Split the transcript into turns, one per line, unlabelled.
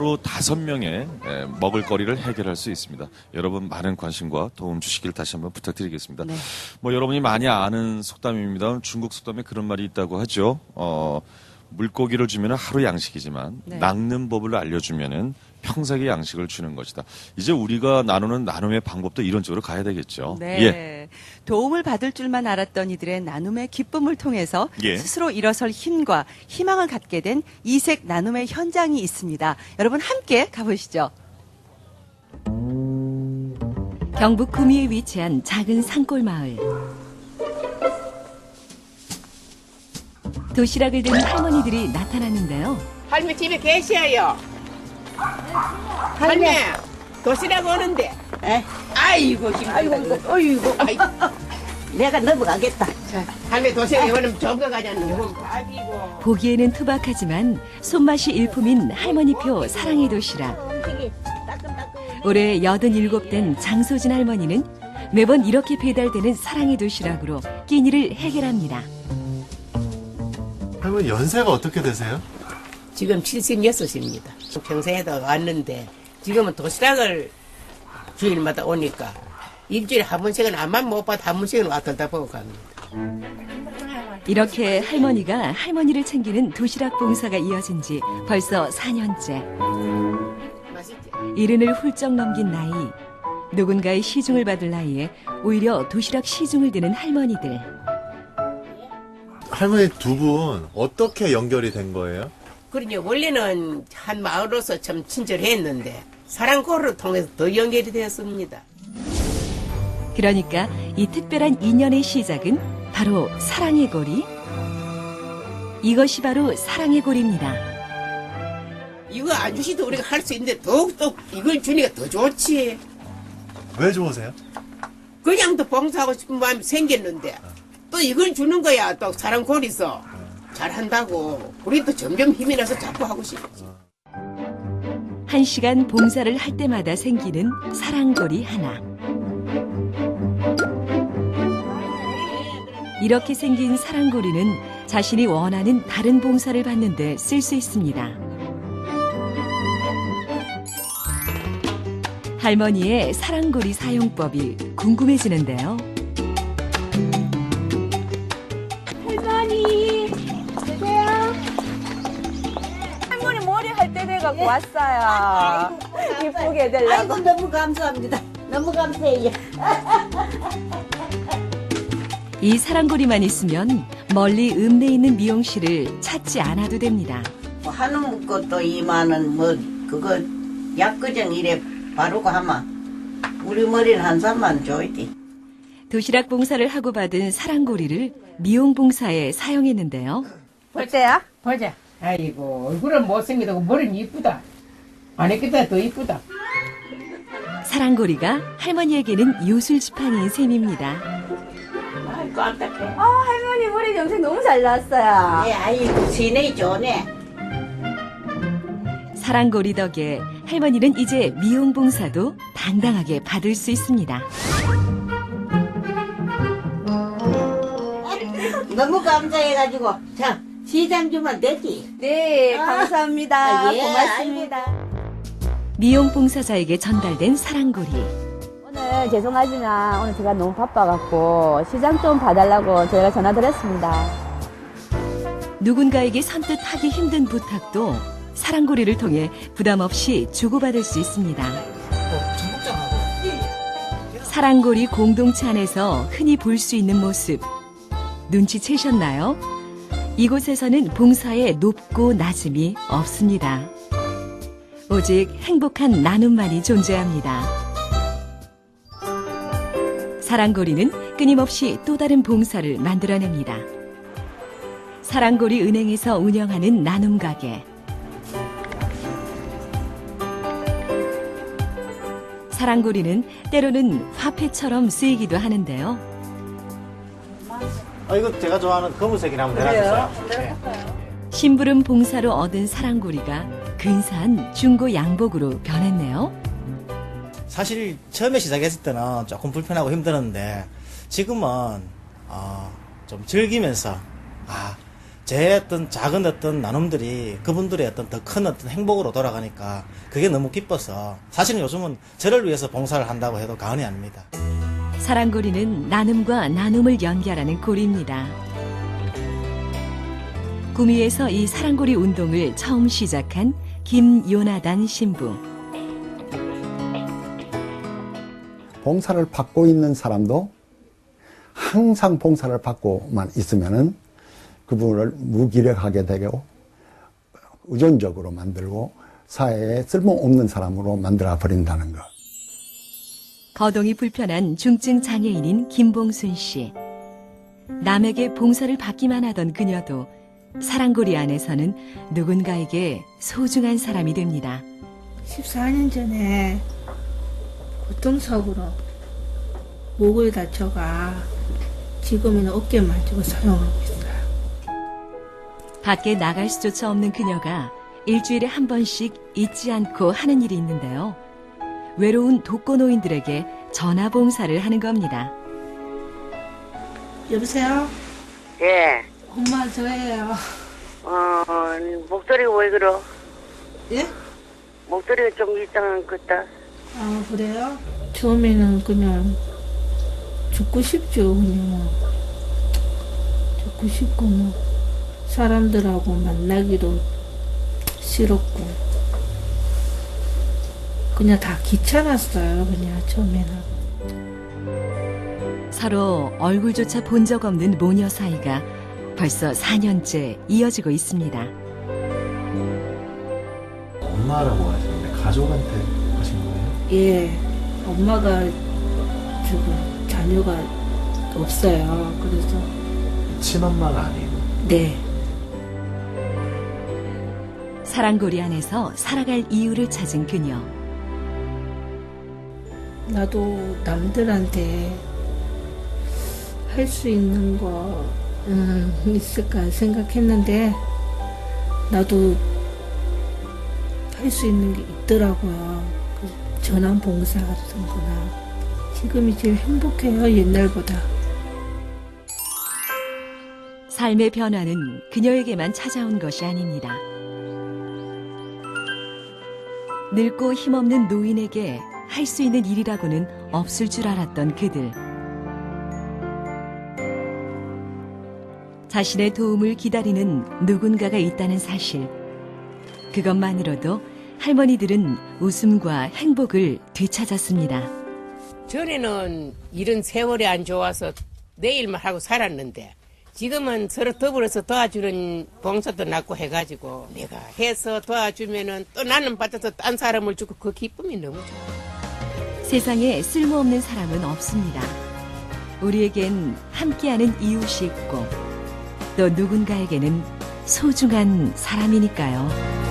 로 5명의 먹을거리를 해결할 수 있습니다. 여러분 많은 관심과 도움 주시길 다시 한번 부탁드리겠습니다.
네.
뭐 여러분이 많이 아는 속담입니다. 중국 속담에 그런 말이 있다고 하죠. 물고기를 주면 하루 양식이지만
네.
낚는 법을 알려주면은 평생의 양식을 주는 것이다. 이제 우리가 나누는 나눔의 방법도 이런 쪽으로 가야 되겠죠.
네.
예.
도움을 받을 줄만 알았던 이들의 나눔의 기쁨을 통해서
예.
스스로 일어설 힘과 희망을 갖게 된 이색 나눔의 현장이 있습니다. 여러분 함께 가보시죠. 경북 구미에 위치한 작은 산골 마을. 도시락을 든 할머니들이 나타났는데요.
할머니 집에 계셔요. 할머니 도시락 오는데.
에?
아이고
아이고. 내가 넘어가겠다.
할머니 도시락 오면 좋은 거 가자는. 아이고.
보기에는 투박하지만 손맛이 일품인 할머니표 사랑의 도시락. 올해 87된 장소진 할머니는 매번 이렇게 배달되는 사랑의 도시락으로 끼니를 해결합니다.
할머니 연세가 어떻게 되세요?
지금 76입니다. 평생에도 왔는데 지금은 도시락을 주일마다 오니까 일주일에 한 번씩은 암만 못 봐도 한 번씩은 왔다 보고 갑니다.
이렇게 할머니가 할머니를 챙기는 도시락 봉사가 이어진 지 벌써 4년째.
맛있지?
이른을 훌쩍 넘긴 나이, 누군가의 시중을 받을 나이에 오히려 도시락 시중을 드는 할머니들.
할머니 두 분 어떻게 연결이 된 거예요?
그러니 원래는 한 마을로서 참 친절했는데 사랑고를 통해서 더 연결이 되었습니다.
그러니까 이 특별한 인연의 시작은 바로 사랑의 고리. 이것이 바로 사랑의 고리입니다.
이거 안 주시도 우리가 할 수 있는데 더욱더 이걸 주니까 더 좋지.
왜 좋으세요?
그냥 또 봉사하고 싶은 마음이 생겼는데 또 이걸 주는 거야. 또 사랑고리서 잘한다고 우리도 점점 힘이 나서 자꾸 하고 싶지.
1시간 봉사를 할 때마다 생기는 사랑고리 하나. 이렇게 생긴 사랑고리는 자신이 원하는 다른 봉사를 받는데 쓸 수 있습니다. 할머니의 사랑고리 사용법이 궁금해지는데요.
할머니, 계세요? 할머니 머리 할 때 돼갖고 왔어요. 이쁘게 해달라고.
아이고 너무 감사합니다. 너무 감사해요.
이 사랑고리만 있으면 멀리 읍내에 있는 미용실을 찾지 않아도 됩니다.
뭐 한우 것도 2만 원, 뭐 그거 약거정 이래 바르고 하면 우리 머리는 한 3만 원 줘야지.
도시락 봉사를 하고 받은 사랑고리를 미용 봉사에 사용했는데요.
어때요?
보자. 아이고 얼굴은 못생기다고 머리는 이쁘다. 안 했겠다 더 이쁘다.
사랑고리가 할머니에게는 요술지팡이인 셈입니다.
아이고 안타해.
할머니 머리 염색 너무 잘 나왔어요.
예, 아이고 시내이 좋네.
사랑고리 덕에 할머니는 이제 미용 봉사도 당당하게 받을 수 있습니다.
너무 감사해가지고 자 시장 주면 되지.
네, 감사합니다.
아, 예,
고맙습니다.
미용 봉사자에게 전달된 사랑고리.
오늘 죄송하지만 오늘 제가 너무 바빠갖고 시장 좀 봐달라고 저희가 전화드렸습니다.
누군가에게 선뜻 하기 힘든 부탁도 사랑고리를 통해 부담 없이 주고받을 수 있습니다. 사랑고리 공동체 안에서 흔히 볼 수 있는 모습. 눈치채셨나요? 이곳에서는 봉사에 높고 낮음이 없습니다. 오직 행복한 나눔만이 존재합니다. 사랑고리는 끊임없이 또 다른 봉사를 만들어냅니다. 사랑고리 은행에서 운영하는 나눔가게. 사랑고리는 때로는 화폐처럼 쓰이기도 하는데요.
이거 제가 좋아하는 검은색이나 한번 내놔주세요.
심부름 봉사로 얻은 사랑고리가 근사한 중고 양복으로 변했네요.
사실 처음에 시작했을 때는 조금 불편하고 힘들었는데 지금은 좀 즐기면서 제 어떤 작은 어떤 나눔들이 그분들의 어떤 더 큰 어떤 행복으로 돌아가니까 그게 너무 기뻐서 사실은 요즘은 저를 위해서 봉사를 한다고 해도 과언이 아닙니다.
사랑고리는 나눔과 나눔을 연결하는 고리입니다. 구미에서 이 사랑고리 운동을 처음 시작한 김요나단 신부.
봉사를 받고 있는 사람도 항상 봉사를 받고만 있으면은 그분을 무기력하게 되고 의존적으로 만들고 사회에 쓸모없는 사람으로 만들어 버린다는 것.
거동이 불편한 중증 장애인인 김봉순 씨. 남에게 봉사를 받기만 하던 그녀도 사랑고리 안에서는 누군가에게 소중한 사람이 됩니다.
14년 전에 교통사고로 목을 다쳐가 지금은 어깨만 쥐고 사용하고 있어요.
밖에 나갈 수조차 없는 그녀가 일주일에 한 번씩 잊지 않고 하는 일이 있는데요. 외로운 독거노인들에게 전화 봉사를 하는 겁니다.
여보세요?
예.
엄마 저예요.
목소리가 왜 그러?
예?
목소리가 좀 이상한 것 같다.
아 그래요? 처음에는 그냥 죽고 싶죠. 그냥 죽고 싶고 뭐 사람들하고 만나기도 싫었고 그냥 다 귀찮았어요. 그냥 처음에는.
서로 얼굴조차 본 적 없는 모녀 사이가 벌써 4년째 이어지고 있습니다.
엄마라고 하시는데 가족한테 하신 거예요?
예, 엄마가 지금 자녀가 없어요. 그래서
친엄마가 아니고.
네.
사랑고리 안에서 살아갈 이유를 찾은 그녀.
나도 남들한테 할 수 있는 거 있을까 생각했는데 나도 할 수 있는 게 있더라고요. 그 전환 봉사 같은 거나. 지금이 제일 행복해요, 옛날보다.
삶의 변화는 그녀에게만 찾아온 것이 아닙니다. 늙고 힘없는 노인에게 할 수 있는 일이라고는 없을 줄 알았던 그들. 자신의 도움을 기다리는 누군가가 있다는 사실. 그것만으로도 할머니들은 웃음과 행복을 되찾았습니다.
전에는 이런 세월이 안 좋아서 내 일만 하고 살았는데 지금은 서로 더불어서 도와주는 봉사도 낳고 해가지고 내가 해서 도와주면은 또 나는 받아서 딴 사람을 주고 그 기쁨이 너무 좋아.
세상에 쓸모없는 사람은 없습니다. 우리에겐 함께하는 이웃이 있고 또 누군가에게는 소중한 사람이니까요.